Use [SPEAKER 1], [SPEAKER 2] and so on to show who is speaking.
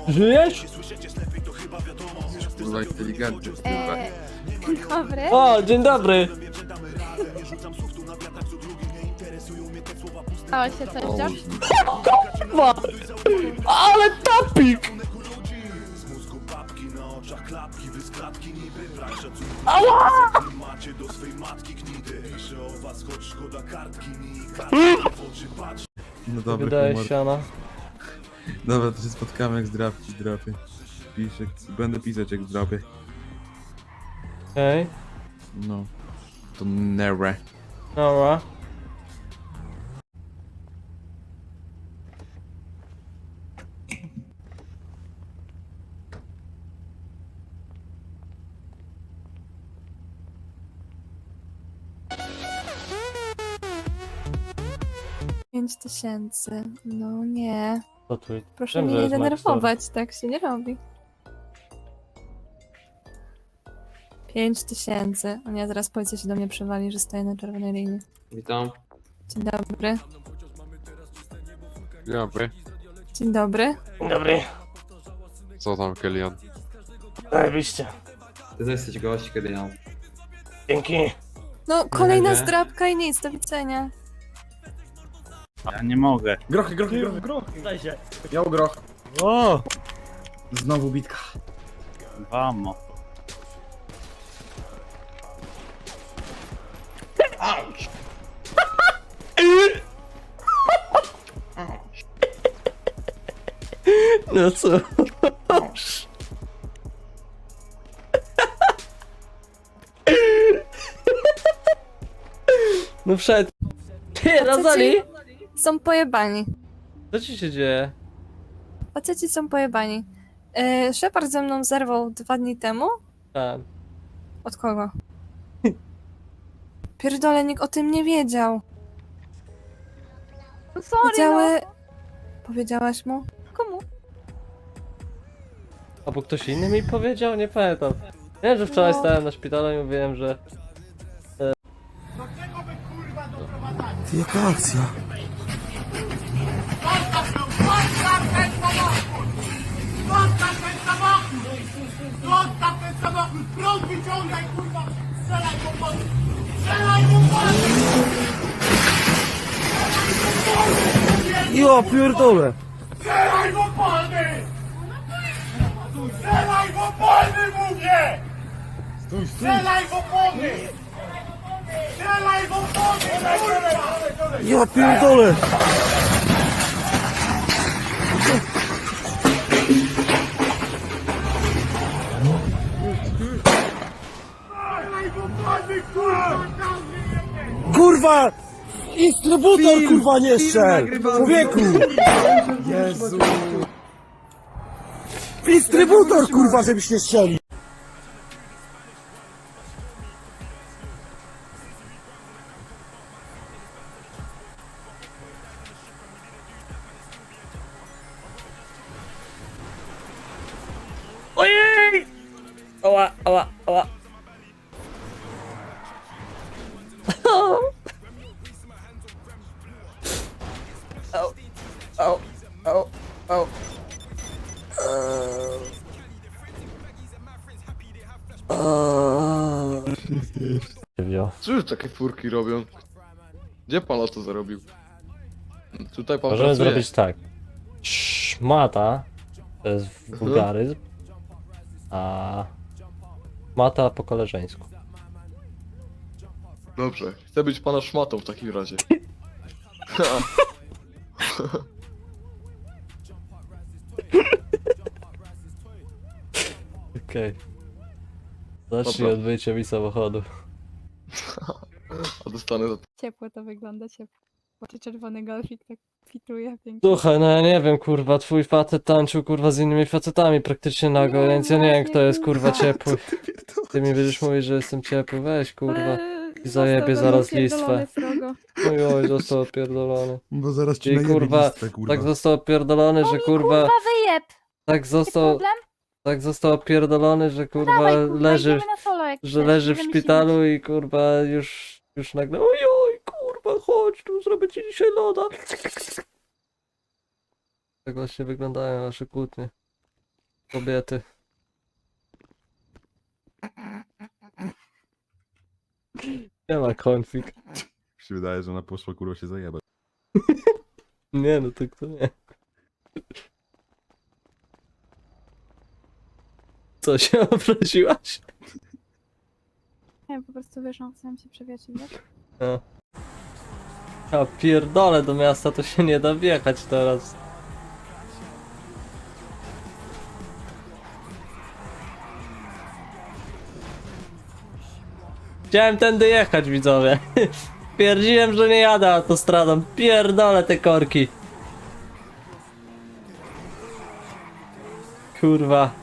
[SPEAKER 1] Żyjesz?
[SPEAKER 2] Kurwa inteligentny.
[SPEAKER 3] Dobry.
[SPEAKER 1] O, dzień dobry.
[SPEAKER 3] Stało się coś, John?
[SPEAKER 1] Kurwa! Ale topik! Ała!
[SPEAKER 2] No dobra,
[SPEAKER 1] Wydaje
[SPEAKER 2] humor.
[SPEAKER 1] się ona.
[SPEAKER 2] Dobra, to się spotkamy jak zdrapki drapie. Piszę, będę pisać jak zdrapię.
[SPEAKER 1] Okej,
[SPEAKER 2] No. To nere.
[SPEAKER 1] dobra.
[SPEAKER 3] Pięć 5000. No nie.
[SPEAKER 1] Co tu?
[SPEAKER 3] Proszę
[SPEAKER 1] Wiem,
[SPEAKER 3] mnie
[SPEAKER 1] że
[SPEAKER 3] nie
[SPEAKER 1] jest
[SPEAKER 3] denerwować, tak się nie robi. 5000. O nie, zaraz policja się do mnie przywali, że stoję na czerwonej linii.
[SPEAKER 4] Witam.
[SPEAKER 3] Dzień dobry.
[SPEAKER 4] Dzień dobry.
[SPEAKER 3] Dzień dobry.
[SPEAKER 1] Dzień dobry.
[SPEAKER 4] Co tam, Kelian?
[SPEAKER 1] Zajebiście.
[SPEAKER 4] Ty to jesteś gość, Kelian.
[SPEAKER 1] Dzięki.
[SPEAKER 3] No, kolejna
[SPEAKER 4] nie.
[SPEAKER 3] zdrabka i nic, do widzenia.
[SPEAKER 5] Ja nie mogę.
[SPEAKER 6] Grochy.
[SPEAKER 1] Daj się.
[SPEAKER 6] Miał groch.
[SPEAKER 5] O!
[SPEAKER 6] Znowu bitka.
[SPEAKER 5] Vamo.
[SPEAKER 1] No co? No wszedł. Ty, Razali!
[SPEAKER 3] Są pojebani.
[SPEAKER 1] Co ci się dzieje?
[SPEAKER 3] Faceci są pojebani. Shepard ze mną zerwał 2 dni temu.
[SPEAKER 1] Tak.
[SPEAKER 3] Od kogo? Pierdolę, nikt o tym nie wiedział.
[SPEAKER 7] Sorry,
[SPEAKER 3] Wiedziały... Powiedziałaś mu?
[SPEAKER 7] Komu?
[SPEAKER 1] Albo ktoś inny mi powiedział? Nie pamiętam. Wiem, że wczoraj
[SPEAKER 3] No.
[SPEAKER 1] stałem na szpitalu i mówiłem, że...
[SPEAKER 6] Ty, jaka akcja?
[SPEAKER 8] Zostaw ten samochód! Prąd wyciągaj, kurwa! Strzelaj po polu! Strzelaj po polu!
[SPEAKER 6] Ja pierdolę!
[SPEAKER 8] Strzelaj po polny! Strzelaj po polny, mówię! Strzelaj po polny! Strzelaj po polny, kurwa!
[SPEAKER 6] Ja pierdolę!
[SPEAKER 8] Strzelaj po polny, kurwa!
[SPEAKER 6] Kurwa! Instrybutor kurwa nie strzel! Człowieku! Jezu! Instrybutor kurwa, żebyś nie strzelił!
[SPEAKER 1] Ojej! Ała, ała, ała. Au, au, au, au. Wziął.
[SPEAKER 2] Cóż takie furki robią? Gdzie pan to zarobił? Tutaj pan
[SPEAKER 1] Możemy
[SPEAKER 2] pracuje.
[SPEAKER 1] zrobić tak. Szmata to jest wulgaryzm, a mata po koleżeńsku.
[SPEAKER 2] Dobrze, chcę być pana szmatą w takim razie.
[SPEAKER 1] Okej. Zacznij
[SPEAKER 2] Dobra.
[SPEAKER 1] od wyjścia mi samochodu.
[SPEAKER 2] A dostanę za to.
[SPEAKER 7] Ciepło to wygląda, ciepło. Czy czerwony golfik tak fituje pięknie.
[SPEAKER 1] Słuchaj, no ja nie wiem, kurwa, twój facet tańczył, kurwa, z innymi facetami praktycznie nago,
[SPEAKER 7] No
[SPEAKER 1] więc ja nie wiem,
[SPEAKER 7] właśnie,
[SPEAKER 1] kto jest, kurwa,
[SPEAKER 7] kurwa.
[SPEAKER 1] ciepły. Ty mi będziesz mówić, że jestem ciepły, weź, kurwa.
[SPEAKER 7] Ale
[SPEAKER 1] I zajebie
[SPEAKER 7] został
[SPEAKER 1] zaraz
[SPEAKER 7] pierdolony
[SPEAKER 1] listwę.
[SPEAKER 7] srogo.
[SPEAKER 1] Oj, został opierdolony.
[SPEAKER 2] Bo zaraz
[SPEAKER 1] ci najebie kurwa, listwę, Tak został opierdolony, że kurwa,
[SPEAKER 7] wyjeb!
[SPEAKER 1] tak
[SPEAKER 7] Jest
[SPEAKER 1] został,
[SPEAKER 7] problem?
[SPEAKER 1] tak został opierdolony, że kurwa
[SPEAKER 7] Dawaj, kurwa,
[SPEAKER 1] leży,
[SPEAKER 7] idziemy na solo, jak
[SPEAKER 1] że
[SPEAKER 7] chcesz,
[SPEAKER 1] leży w
[SPEAKER 7] będziemy
[SPEAKER 1] szpitalu i kurwa już nagle, ojoj, kurwa, chodź tu, zrobię ci dzisiaj loda. Tak właśnie wyglądają nasze kłótnie. Kobiety. Nie ma konflikt.
[SPEAKER 2] Mi się wydaje, że ona poszła kurwa się zajebać.
[SPEAKER 1] Nie no, to kto nie. Co się obraziłaś?
[SPEAKER 7] Nie, po prostu wyszłam, chciałam się przewiać, wiesz?
[SPEAKER 1] No. A pierdolę, do miasta to się nie da wjechać teraz. Chciałem tędy jechać, widzowie. Twierdziłem, że nie jadę autostradą. Pierdolę te korki. Kurwa.